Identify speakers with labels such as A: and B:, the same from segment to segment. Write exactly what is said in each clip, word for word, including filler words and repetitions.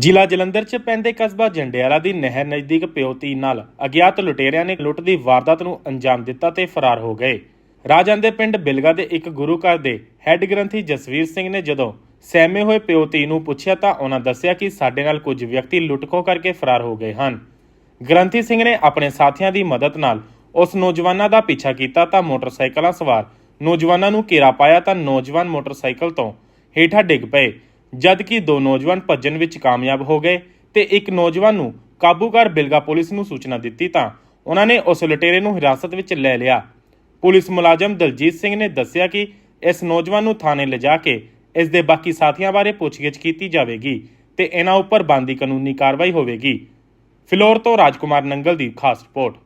A: ਜ਼ਿਲ੍ਹਾ ਜਲੰਧਰ 'ਚ ਪੈਂਦੇ ਕਸਬਾ ਜੰਡਿਆਲਾ ਦੀ ਨਹਿਰ ਨਜ਼ਦੀਕ ਪਿਓ ਧੀ ਨਾਲ ਅਗਿਆਤ ਲੁਟੇਰਿਆਂ ਨੇ ਲੁੱਟ ਦੀ ਵਾਰਦਾਤ ਨੂੰ ਅੰਜਾਮ ਦਿੱਤਾ ਤੇ ਫਰਾਰ ਹੋ ਗਏ। ਰਾਜਨ ਦੇ ਪਿੰਡ ਬਿਲਗਾ ਦੇ ਇੱਕ ਗੁਰੂ ਘਰ ਦੇ ਹੈੱਡ ਗ੍ਰੰਥੀ ਜਸਵੀਰ ਸਿੰਘ ਨੇ ਜਦੋਂ ਸਹਿਮੇ ਹੋਏ ਪਿਓ ਧੀ ਨੂੰ ਪੁੱਛਿਆ ਤਾਂ ਉਹਨਾਂ ਦੱਸਿਆ ਕਿ ਸਾਡੇ ਨਾਲ ਕੁਝ ਵਿਅਕਤੀ ਲੁੱਟ-ਖੋਹ ਕਰਕੇ ਫਰਾਰ ਹੋ ਗਏ ਹਨ। ਗ੍ਰੰਥੀ ਸਿੰਘ ਨੇ ਆਪਣੇ ਸਾਥੀਆਂ ਦੀ ਮਦਦ ਨਾਲ ਉਸ ਨੌਜਵਾਨਾਂ ਦਾ ਪਿੱਛਾ ਕੀਤਾ ਤਾਂ ਮੋਟਰਸਾਈਕਲਾਂ ਸਵਾਰ ਨੌਜਵਾਨਾਂ ਨੂੰ ਘੇਰਾ ਪਾਇਆ ਤਾਂ ਨੌਜਵਾਨ ਮੋਟਰਸਾਈਕਲ ਤੋਂ ਹੇਠਾਂ ਡਿੱਗ ਪਏ, ਜਦਕਿ ਦੋ ਨੌਜਵਾਨ ਭੱਜਣ ਵਿੱਚ ਕਾਮਯਾਬ ਹੋ ਗਏ ਤੇ ਇੱਕ ਨੌਜਵਾਨ ਨੂੰ ਕਾਬੂ ਕਰ ਬਿਲਗਾ ਪੁਲਿਸ ਨੂੰ ਸੂਚਨਾ ਦਿੱਤੀ ਤਾਂ ਉਹਨਾਂ ਨੇ ਉਸ ਲੁਟੇਰੇ ਨੂੰ ਹਿਰਾਸਤ ਵਿੱਚ ਲੈ ਲਿਆ। ਪੁਲਿਸ ਮੁਲਾਜ਼ਮ ਦਲਜੀਤ ਸਿੰਘ ਨੇ ਦੱਸਿਆ ਕਿ ਇਸ ਨੌਜਵਾਨ ਨੂੰ ਥਾਣੇ ਲਿਜਾ ਕੇ ਇਸ ਦੇ ਬਾਕੀ ਸਾਥੀਆਂ ਬਾਰੇ ਪੁੱਛਗਿੱਛ ਕੀਤੀ ਜਾਵੇਗੀ ਤੇ ਇਹਨਾਂ ਉੱਪਰ ਬਣਦੀ ਕਾਨੂੰਨੀ ਕਾਰਵਾਈ ਹੋਵੇਗੀ। ਫਿਲੌਰ ਤੋਂ ਰਾਜਕੁਮਾਰ ਨੰਗਲ ਦੀ ਖਾਸ ਰਿਪੋਰਟ।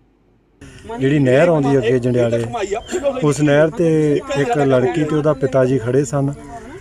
B: ਜਿਹੜੀ ਨਹਿਰ ਆਉਂਦੀ ਅੱਗੇ ਜੰਡਿਆਲੇ, ਉਸ ਨਹਿਰ ਤੇ ਇੱਕ ਲੜਕੀ ਤੇ ਉਹਦਾ ਪਿਤਾ ਜੀ ਖੜੇ ਸਨ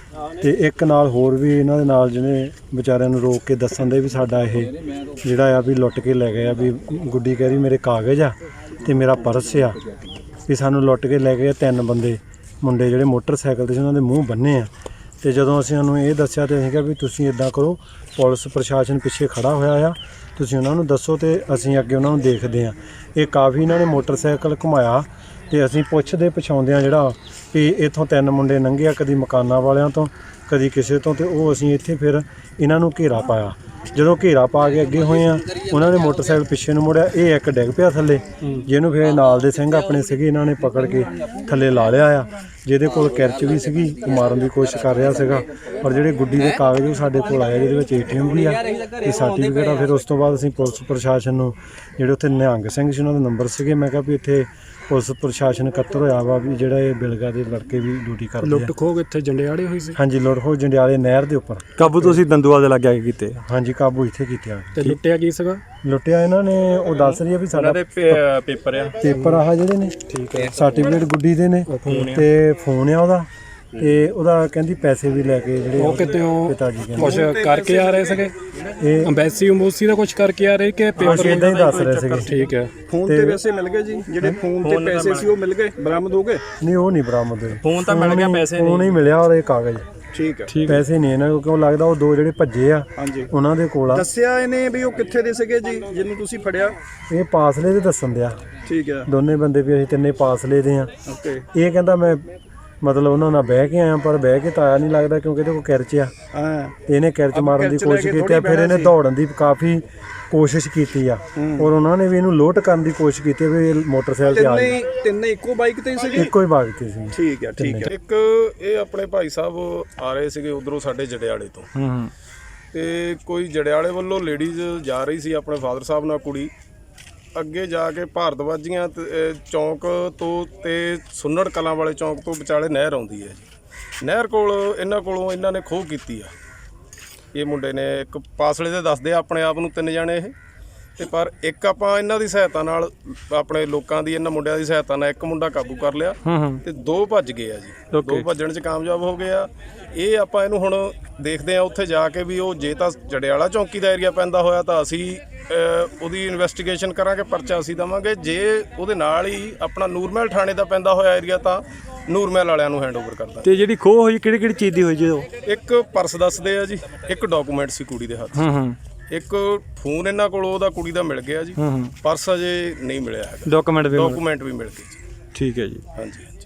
B: ਤੇ ਇੱਕ ਨਾਲ ਹੋਰ ਵੀ ਇਹਨਾਂ ਦੇ ਨਾਲ ਜਿਹਨੇ ਵਿਚਾਰਿਆਂ ਨੂੰ ਰੋਕ ਕੇ ਦੱਸਣ ਦੇ ਵੀ ਸਾਡਾ ਇਹ ਜਿਹੜਾ ਆ ਵੀ ਲੁੱਟ ਕੇ ਲੈ ਗਏ ਆ। ਵੀ ਗੁੱਡੀ ਕਹਿ ਰਹੀ ਮੇਰੇ ਕਾਗਜ਼ ਆ ਤੇ ਮੇਰਾ ਪਰਸ ਆ, ਵੀ ਸਾਨੂੰ ਲੁੱਟ ਕੇ ਲੈ ਗਏ ਤਿੰਨ ਬੰਦੇ ਮੁੰਡੇ ਜਿਹੜੇ ਮੋਟਰਸਾਈਕਲ ਤੇ ਸੀ, ਉਹਨਾਂ ਦੇ ਮੂੰਹ ਬੰਨੇ ਆ। ਤੇ ਜਦੋਂ ਅਸੀਂ ਉਹਨੂੰ ਇਹ ਦੱਸਿਆ ਤੇ ਅਸੀਂ ਕਿਹਾ ਵੀ ਤੁਸੀਂ ਇੱਦਾਂ ਕਰੋ, ਪੁਲਿਸ ਪ੍ਰਸ਼ਾਸਨ ਪਿੱਛੇ ਖੜਾ ਹੋਇਆ ਆ, ਤੁਸੀਂ ਉਹਨਾਂ ਨੂੰ ਦੱਸੋ ਤੇ ਅਸੀਂ ਅੱਗੇ ਉਹਨਾਂ ਨੂੰ ਦੇਖਦੇ ਹਾਂ। ਇਹ ਕਾਫੀ ਇਹਨਾਂ ਨੇ ਮੋਟਰਸਾਈਕਲ ਘੁਮਾਇਆ ਤੇ ਅਸੀਂ ਪੁੱਛਦੇ ਪਛਾਉਂਦੇ ਹਾਂ ਜਿਹੜਾ ਵੀ ਇੱਥੋਂ ਤਿੰਨ ਮੁੰਡੇ ਲੰਘੇ ਆ, ਕਦੀ ਮਕਾਨਾਂ ਵਾਲਿਆਂ ਤੋਂ ਕਦੀ ਕਿਸੇ ਤੋਂ, ਤੇ ਉਹ ਅਸੀਂ ਇੱਥੇ ਫਿਰ ਇਹਨਾਂ ਨੂੰ ਘੇਰਾ ਪਾਇਆ। ਜਦੋਂ ਘੇਰਾ ਪਾ ਕੇ ਅੱਗੇ ਹੋਏ ਆ, ਉਹਨਾਂ ਨੇ ਮੋਟਰਸਾਈਕਲ ਪਿੱਛੇ ਨੂੰ ਮੋੜਿਆ, ਇਹ ਇੱਕ ਡਿੱਗ ਪਿਆ ਥੱਲੇ, ਜਿਹਨੂੰ ਫਿਰ ਨਾਲ ਦੇ ਸਿੰਘ ਆਪਣੇ ਸੀਗੇ ਇਹਨਾਂ ਨੇ ਪਕੜ ਕੇ ਥੱਲੇ ਲਾ ਲਿਆ ਆ। ਜਿਹਦੇ ਕੋਲ ਕਿਰਚ ਵੀ ਸੀਗੀ, ਉਹ ਮਾਰਨ ਦੀ ਕੋਸ਼ਿਸ਼ ਕਰ ਰਿਹਾ ਸੀਗਾ। ਪਰ ਜਿਹੜੇ ਗੁੱਡੀ ਦੇ ਕਾਗਜ਼ ਉਹ ਸਾਡੇ ਕੋਲ ਆਏ, ਜਿਹਦੇ ਵਿੱਚ ਏ ਟੀ ਐਮ ਵੀ ਆ ਤੇ ਸਰਟੀਫਿਕੇਟ ਆ। ਫਿਰ ਉਸ ਤੋਂ ਬਾਅਦ ਅਸੀਂ ਪੁਲਿਸ ਪ੍ਰਸ਼ਾਸਨ ਨੂੰ, ਜਿਹੜੇ ਉੱਥੇ ਨਿਹੰਗ ਸਿੰਘ ਸੀ ਉਹਨਾਂ ਦੇ ਨੰਬਰ ਸੀਗੇ, ਮੈਂ ਕਿਹਾ ਵੀ ਇੱਥੇ ਪੁਲਿਸ ਪ੍ਰਸ਼ਾਸਨ ਇਕੱਤਰ ਹੋਇਆ ਵਾ ਵੀ ਜਿਹੜਾ ਇਹ ਬਿਲਗਾ ਦੇ ਲੜਕੇ ਵੀ ਡਿਊਟੀ ਕਰਦੇ ਆ।
C: ਲੁੱਟ ਖੋਹ ਇੱਥੇ ਜੰਡਿਆਲੇ ਹੋਈ ਸੀ?
B: ਹਾਂਜੀ, ਲੁੱਟ ਖੋਹ ਜੰਡਿਆਲੇ ਨਹਿਰ ਦੇ ਉੱਪਰ।
C: ਕਾਬੂ ਤੁਸੀਂ ਦੰਦੂਆ ਦੇ ਲੱਗੇ ਕੀਤੇ?
B: ਹਾਂਜੀ, ਕਾਬੂ ਇੱਥੇ ਕੀਤਿਆ।
C: ਤੇ ਲੁੱਟਿਆ ਕੀ ਸੀਗਾ?
B: ਲੁੱਟਿਆ ਇਹਨਾਂ ਨੇ, ਉਹ ਦੱਸ ਰਹੀ ਆ ਵੀ ਸਾਡਾ
C: ਪੇਪਰ ਆ
B: ਪੇਪਰ ਆਹ ਜਿਹੜੇ ਨੇ, ਠੀਕ ਹੈ, ਸਰਟੀਫਿਕੇਟ ਗੁੱਡੀ ਦੇ ਨੇ ਤੇ ਫੋਨ ਆ ਉਹਦਾ, ਤੇ ਉਹਦਾ ਕਹਿੰਦੀ ਪੈਸੇ ਵੀ ਲੈ ਕੇ ਜਿਹੜੇ
C: ਉਹ ਕਿਤੇ
B: ਪਿਤਾ ਜੀ ਕਹਿੰਦੇ
C: ਕੁਝ ਕਰਕੇ ਆ ਰਹੇ ਸੀਗੇ। ਇਹ ਅੰਬੈਸੀ ਅੰਬੂਸੀ ਦਾ ਕੁਝ ਕਰਕੇ ਆ ਰਹੇ ਕਿ ਪੇਪਰ
B: ਇਦਾਂ ਹੀ ਦੱਸ ਰਹੇ ਸੀਗੇ।
C: ਠੀਕ ਹੈ।
D: ਫੋਨ ਤੇ ਪੈਸੇ ਮਿਲ ਗਏ ਜੀ, ਜਿਹੜੇ ਫੋਨ ਤੇ ਪੈਸੇ ਸੀ ਉਹ ਮਿਲ ਗਏ, ਬਰਾਮਦ ਹੋ ਗਏ?
B: ਨਹੀਂ, ਉਹ ਨਹੀਂ ਬਰਾਮਦ ਹੋਏ।
C: ਫੋਨ ਤਾਂ ਮਿਲ ਗਿਆ, ਪੈਸੇ
B: ਨਹੀਂ। ਫੋਨ ਹੀ ਮਿਲਿਆ ਔਰ ਇਹ ਕਾਗਜ਼।
D: ਠੀਕ ਹੈ,
B: ਪੈਸੇ ਨਹੀਂ ਇਹਨਾਂ ਕੋਲ, ਕਿਉਂ ਲੱਗਦਾ ਉਹ ਦੋ ਜਿਹੜੇ ਭੱਜੇ ਆ ਉਹਨਾਂ ਦੇ ਕੋਲ ਆ।
D: ਦੱਸਿਆ ਇਹਨੇ ਵੀ ਉਹ ਕਿੱਥੇ ਦੇ ਸੀਗੇ ਜੀ ਜਿਹਨੂੰ ਤੁਸੀਂ ਫੜਿਆ?
B: ਇਹ ਪਾਸਲੇ ਦੇ ਦੱਸਣ ਦਿਆ,
D: ਠੀਕ ਹੈ,
B: ਦੋਨੇ ਬੰਦੇ ਵੀ ਅਸੀਂ ਤਿੰਨੇ ਪਾਸਲੇ ਦੇ ਆ।
D: ਓਕੇ।
B: ਇਹ ਕਹਿੰਦਾ ਮੈਂ ਮਤਲਬ ਉਹਨਾਂ ਨਾਲ ਬਹਿ ਕੇ ਆਇਆ, ਪਰ ਬਹਿ ਕੇ ਤਾਂ ਆਇਆ ਨਹੀਂ ਲੱਗਦਾ, ਕਿਉਂਕਿ ਇਹਦੇ ਕੋਲ ਕਿਰਚ ਆ।
D: ਹਾਂ,
B: ਇਹਨੇ ਕਿਰਚ ਮਾਰਨ ਦੀ ਕੋਸ਼ਿਸ਼ ਕੀਤੀ ਆ, ਫਿਰ ਇਹਨੇ ਦੌੜਨ ਦੀ ਕਾਫੀ ਕੋਸ਼ਿਸ਼ ਕੀਤੀ ਆ ਔਰ ਉਹਨਾਂ ਨੇ ਵੀ ਇਹਨੂੰ ਲੋਟ ਕਰਨ ਦੀ ਕੋਸ਼ਿਸ਼ ਕੀਤੀ ਵੀ ਇਹ ਮੋਟਰਸਾਈਕਲ ਤੇ ਆ ਜਾਏ।
D: ਤਿੰਨੇ ਤਿੰਨੇ ਇੱਕੋ ਬਾਈਕ ਤੇ ਸੀਗੇ?
B: ਇੱਕੋ ਹੀ ਬਾਈਕ ਤੇ ਸੀ।
D: ਠੀਕ ਹੈ, ਠੀਕ ਹੈ।
E: ਇੱਕ ਇਹ ਆਪਣੇ ਭਾਈ ਸਾਹਿਬ ਆ ਰਹੇ ਸੀਗੇ ਉਧਰੋਂ ਸਾਡੇ ਜੜਿਆਲੇ ਤੋਂ, ਤੇ ਕੋਈ ਜੜਿਆਲੇ ਵੱਲੋਂ ਲੇਡੀਜ਼ ਜਾ ਰਹੀ ਸੀ ਆਪਣੇ ਫਾਦਰ ਸਾਹਿਬ ਨਾਲ, ਕੁੜੀ ਅੱਗੇ ਜਾ ਕੇ ਭਾਰਤਵਾਜੀਆਂ ਚੌਂਕ ਤੋਂ ਤੇ ਸੁੰਨੜ ਕਲਾਂ ਵਾਲੇ ਚੌਂਕ ਤੋਂ ਵਿਚਾਲੇ ਨਹਿਰ ਆਉਂਦੀ ਹੈ ਜੀ। ਨਹਿਰ ਕੋਲ ਇਹਨਾਂ ਕੋਲੋਂ ਇਹਨਾਂ ਨੇ ਖੋਹ ਕੀਤੀ ਆ। ਇਹ ਮੁੰਡੇ ਨੇ ਇੱਕ ਪਾਸਲੇ ਦੇ ਦੱਸਦੇ ਆ ਆਪਣੇ ਆਪ ਨੂੰ, ਤਿੰਨ ਜਾਣੇ ਇਹ, ਤੇ ਪਰ ਇੱਕ ਆਪਾਂ ਇਹਨਾਂ ਦੀ ਸਹਾਇਤਾ ਨਾਲ, ਆਪਣੇ ਲੋਕਾਂ ਦੀ, ਇਹਨਾਂ ਮੁੰਡਿਆਂ ਦੀ ਸਹਾਇਤਾ ਨਾਲ ਇੱਕ ਮੁੰਡਾ ਕਾਬੂ ਕਰ ਲਿਆ ਤੇ ਦੋ ਭੱਜ ਗਏ ਆ ਜੀ। ਦੋ ਭੱਜਣ 'ਚ ਕਾਮਯਾਬ ਹੋ ਗਏ ਆ। ਇਹ ਆਪਾਂ ਇਹਨੂੰ ਹੁਣ ਦੇਖਦੇ ਆ ਉੱਥੇ ਜਾ ਕੇ ਵੀ ਉਹ ਜੇ ਤਾਂ ਜੜਿਆਲਾ ਚੌਂਕੀ ਦਾ ਏਰੀਆ ਪੈਂਦਾ ਹੋਇਆ ਤਾਂ ਅਸੀਂ ਉਹਦੀ ਇਨਵੈਸਟੀਗੇਸ਼ਨ ਕਰਾਂਗੇ, ਪਰਚਾ ਅਸੀਂ ਦੇਵਾਂਗੇ। ਜੇ ਉਹਦੇ ਨਾਲ ਹੀ ਆਪਣਾ ਨੂਰਮਹਿਲ ਥਾਣੇ ਦਾ ਪੈਂਦਾ ਹੋਇਆ ਏਰੀਆ ਤਾਂ ਨੂਰਮਹਿਲ ਵਾਲਿਆਂ ਨੂੰ ਹੈਂਡਓਵਰ ਕਰਦਾ।
C: ਤੇ ਜਿਹੜੀ ਖੋਹ ਹੋਈ ਕਿਹੜੀ ਕਿਹੜੀ ਚੀਜ਼ ਦੀ ਹੋਈ ਜੀ?
E: ਇੱਕ ਪਰਸ ਦੱਸਦੇ ਆ ਜੀ, ਇੱਕ ਡਾਕੂਮੈਂਟ ਸੀ ਕੁੜੀ ਦੇ ਹੱਥ, ਇੱਕ ਫੋਨ ਇਹਨਾਂ ਕੋਲ ਉਹਦਾ ਕੁੜੀ ਦਾ ਮਿਲ ਗਿਆ ਜੀ, ਪਰਸ ਅਜੇ ਨਹੀਂ ਮਿਲਿਆ ਹੈਗਾ।
C: ਡਾਕੂਮੈਂਟ ਵੀ
E: ਡਾਕੂਮੈਂਟ ਵੀ ਮਿਲ ਗਏ ਜੀ।
C: ਠੀਕ ਹੈ ਜੀ।
E: ਹਾਂਜੀ।